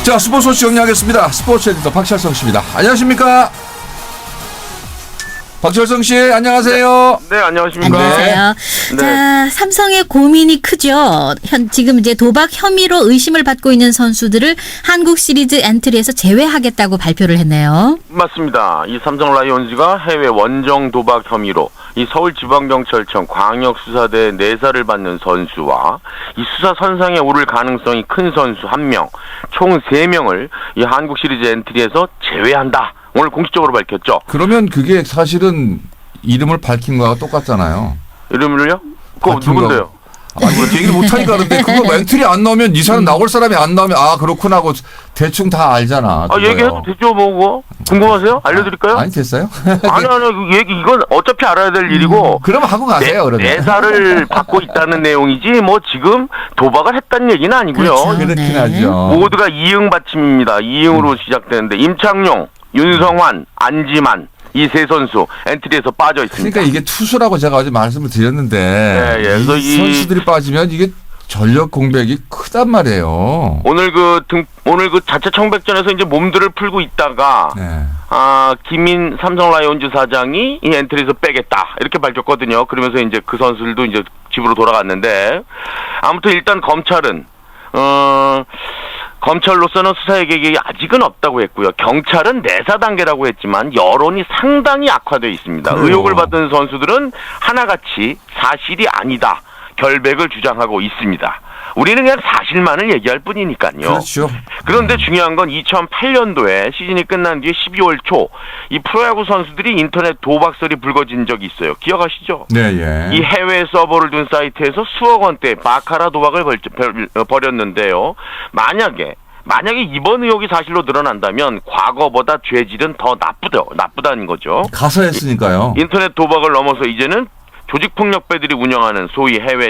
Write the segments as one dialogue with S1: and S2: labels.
S1: 자, 스포츠 소식 정리하겠습니다. 스포츠 에디터 박철성 씨입니다. 안녕하십니까? 박철성 씨, 안녕하세요.
S2: 네, 안녕하십니까?
S3: 안녕하세요.
S2: 네.
S3: 자, 삼성의 고민이 크죠. 지금 이제 도박 혐의로 의심을 받고 있는 선수들을 한국 시리즈 엔트리에서 제외하겠다고 발표를 했네요.
S2: 맞습니다. 이 삼성 라이온즈가 해외 원정 도박 혐의로 이 서울지방경찰청 광역수사대 내사를 받는 선수와 이 수사 선상에 오를 가능성이 큰 선수 1명, 총 3명을 이 한국 시리즈 엔트리에서 제외한다. 오늘 공식적으로 밝혔죠.
S1: 그러면 그게 사실은 이름을 밝힌 거와 똑같잖아요.
S2: 이름을요? 그거 누군데요?
S1: 아니, 얘기를 못하니까 그런데 그거 엔트리 안 나오면 이 사람 나올 사람이 안 나오면 아 그렇구나 하고 대충 다 알잖아.
S2: 아, 얘기해도 되죠, 뭐, 그거? 궁금하세요? 알려드릴까요?
S1: 아니, 됐어요?
S2: 아니, 이건 어차피 알아야 될 일이고.
S1: 그럼 하고 가세요, 그러면.
S2: 내사를 받고 있다는 내용이지, 뭐, 지금 도박을 했다는 얘기는 아니고요.
S3: 그렇죠.
S1: 그렇긴
S3: 네.
S1: 하죠.
S2: 모두가 이응 받침입니다. 이응으로 시작되는데, 임창용, 윤성환, 안지만, 이 세 선수 엔트리에서 빠져 있습니다.
S1: 그러니까 이게 투수라고 제가 어제 말씀을 드렸는데
S2: 네, 예. 그래서
S1: 이 선수들이 빠지면 이게 전력 공백이 크단 말이에요.
S2: 오늘 그 자체 청백전에서 이제 몸들을 풀고 있다가
S1: 네.
S2: 김인 삼성 라이온즈 사장이 이 엔트리에서 빼겠다 이렇게 밝혔거든요. 그러면서 이제 그 선수들도 이제 집으로 돌아갔는데 아무튼 일단 검찰은 검찰로서는 수사의 계획이 아직은 없다고 했고요. 경찰은 내사 단계라고 했지만 여론이 상당히 악화되어 있습니다.
S1: 그래요.
S2: 의혹을 받은 선수들은 하나같이 사실이 아니다. 결백을 주장하고 있습니다. 우리는 그냥 사실만을 얘기할 뿐이니까요.
S1: 그렇죠.
S2: 그런데 중요한 건 2008년도에 시즌이 끝난 뒤에 12월 초 이 프로야구 선수들이 인터넷 도박설이 불거진 적이 있어요. 기억하시죠?
S1: 네, 예.
S2: 이 해외 서버를 둔 사이트에서 수억 원대 바카라 도박을 벌였는데요. 만약에 이번 의혹이 사실로 드러난다면 과거보다 죄질은 더 나쁘다는 거죠.
S1: 가서 했으니까요.
S2: 인터넷 도박을 넘어서 이제는 조직폭력배들이 운영하는 소위 해외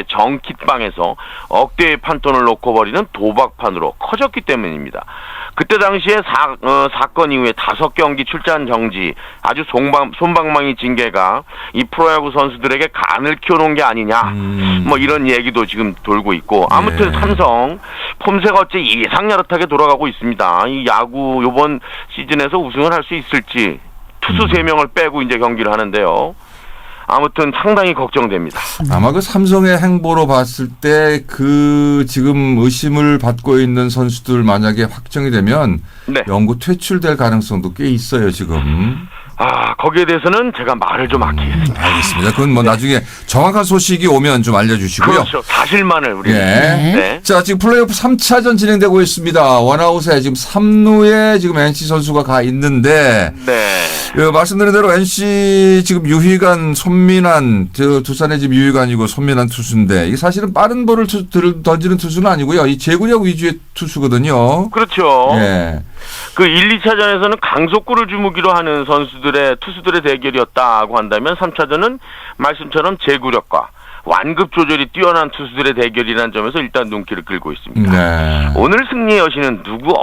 S2: 정킷방에서 억대의 판돈을 놓고 버리는 도박판으로 커졌기 때문입니다. 그때 당시에 사건 이후에 5경기 출전 정지, 아주 솜방망이 징계가 이 프로야구 선수들에게 간을 키워놓은 게 아니냐, 뭐 이런 얘기도 지금 돌고 있고, 아무튼
S1: 예.
S2: 삼성 폼새가 어째 예상야릇하게 돌아가고 있습니다. 이 야구 이번 시즌에서 우승을 할 수 있을지 투수 3명을 빼고 이제 경기를 하는데요. 아무튼 상당히 걱정됩니다.
S1: 아마 그 삼성의 행보로 봤을 때 그 지금 의심을 받고 있는 선수들 만약에 확정이 되면
S2: 네.
S1: 영구 퇴출될 가능성도 꽤 있어요, 지금.
S2: 거기에 대해서는 제가 말을 좀 아끼겠습니다.
S1: 알겠습니다. 그건 뭐 나중에 정확한 소식이 오면 좀 알려주시고요.
S2: 그렇죠. 사실만을 우리.
S1: 예.
S2: 네.
S1: 자, 지금 플레이오프 3차전 진행되고 있습니다. 원아웃에 지금 3루에 지금 NC 선수가 가 있는데,
S2: 네.
S1: 말씀드린 대로 NC 지금 유희관, 손민환, 두산의 지금 유희관이고 손민환 투수인데, 이게 사실은 빠른 볼을 던지는 투수는 아니고요. 이 제구력 위주의 투수거든요.
S2: 그렇죠.
S1: 예.
S2: 그 1, 2차전에서는 강속구를 주무기로 하는 투수들의 대결이었다고 한다면 3차전은 말씀처럼 제구력과 완급 조절이 뛰어난 투수들의 대결이라는 점에서 일단 눈길을 끌고 있습니다.
S1: 네.
S2: 오늘 승리의 여신은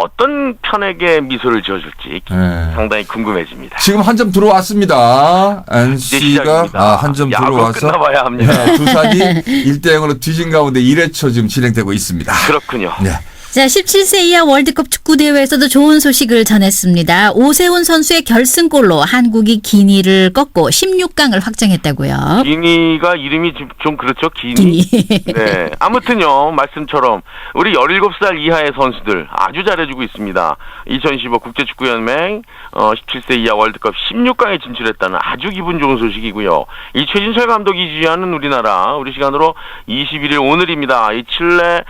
S2: 어떤 편에게 미소를 지어줄지
S1: 네.
S2: 상당히 궁금해집니다.
S1: 지금 한 점 들어왔습니다. NC가 한 점 들어와서
S2: 끝나봐야 합니다.
S1: 네, 두산이 1대0으로 뒤진 가운데 1회초 지금 진행되고 있습니다.
S2: 그렇군요.
S1: 네.
S3: 자, 17세 이하 월드컵 축구 대회에서도 좋은 소식을 전했습니다. 오세훈 선수의 결승골로 한국이 기니를 꺾고 16강을 확정했다고요.
S2: 기니가 이름이 좀 그렇죠.
S3: 기니.
S2: 네. 아무튼요, 말씀처럼 우리 17살 이하의 선수들 아주 잘해주고 있습니다. 2015 국제축구연맹 17세 이하 월드컵 16강에 진출했다는 아주 기분 좋은 소식이고요. 이 최진철 감독이 지휘하는 우리 시간으로 21일 오늘입니다. 이 칠레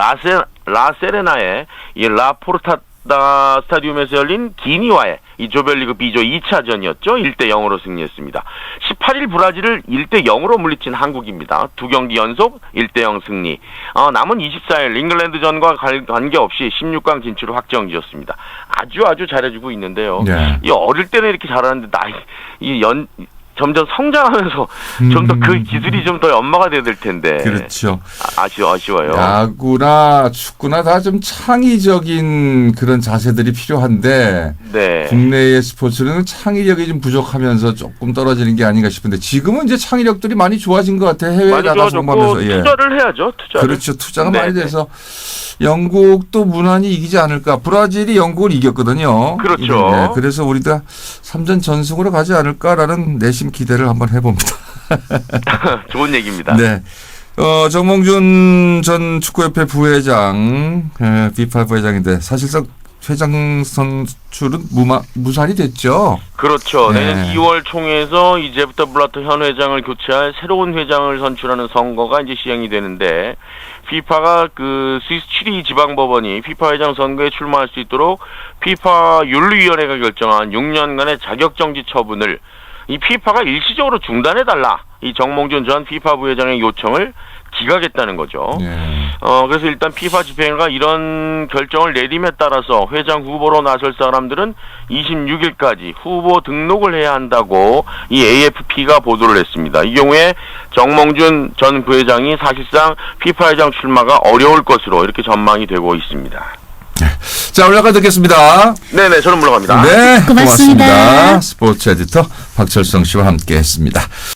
S2: 라세레나의 이 라포르타다 스타디움에서 열린 기니와의 이 조별리그 B조 2차전이었죠. 1대0으로 승리했습니다. 18일 브라질을 1대0으로 물리친 한국입니다. 2경기 연속 1대0 승리. 남은 24일 잉글랜드전과 관계없이 16강 진출을 확정지었습니다. 아주 잘해주고 있는데요.
S1: 네.
S2: 이 어릴 때는 이렇게 잘하는데 점점 성장하면서 좀 더 그 기술이 좀 더 연마가 돼야 될 텐데.
S1: 그렇죠.
S2: 아쉬워요.
S1: 야구나 축구나 다 좀 창의적인 그런 자세들이 필요한데
S2: 네.
S1: 국내의 스포츠는 창의력이 좀 부족하면서 조금 떨어지는 게 아닌가 싶은데 지금은 이제 창의력들이 많이 좋아진 것 같아요. 해외에
S2: 많이
S1: 나가서
S2: 좋아졌고
S1: 공부하면서. 예.
S2: 투자를 해야죠. 투자를.
S1: 그렇죠. 투자가
S2: 네,
S1: 많이
S2: 네.
S1: 돼서 영국도 무난히 이기지 않을까. 브라질이 영국을 이겼거든요.
S2: 그렇죠.
S1: 네, 그래서 우리가 3전 전승으로 가지 않을까라는 내심 기대를 한번 해봅니다.
S2: 좋은 얘기입니다.
S1: 네. 정몽준 전 축구협회 부회장, FIFA 부회장인데 사실상 회장 선출은 무산이 됐죠.
S2: 그렇죠.
S1: 네.
S2: 내년 2월 총회에서 이제부터 블라터 현 회장을 교체할 새로운 회장을 선출하는 선거가 이제 시행이 되는데, FIFA가 그 스위스 7위 지방법원이 FIFA 회장 선거에 출마할 수 있도록 FIFA 윤리위원회가 결정한 6년간의 자격정지 처분을 이 FIFA가 일시적으로 중단해달라. 이 정몽준 전 FIFA 부회장의 요청을 기각했다는 거죠.
S1: 네.
S2: 그래서 일단 FIFA 집행위가 이런 결정을 내림에 따라서 회장 후보로 나설 사람들은 26일까지 후보 등록을 해야 한다고 이 AFP가 보도를 했습니다. 이 경우에 정몽준 전 부회장이 사실상 FIFA 회장 출마가 어려울 것으로 이렇게 전망이 되고 있습니다.
S1: 자, 올라가 듣겠습니다.
S2: 네네, 저는 물러갑니다.
S1: 네,
S3: 고맙습니다.
S1: 고맙습니다. 스포츠 에디터 박철성 씨와 함께 했습니다.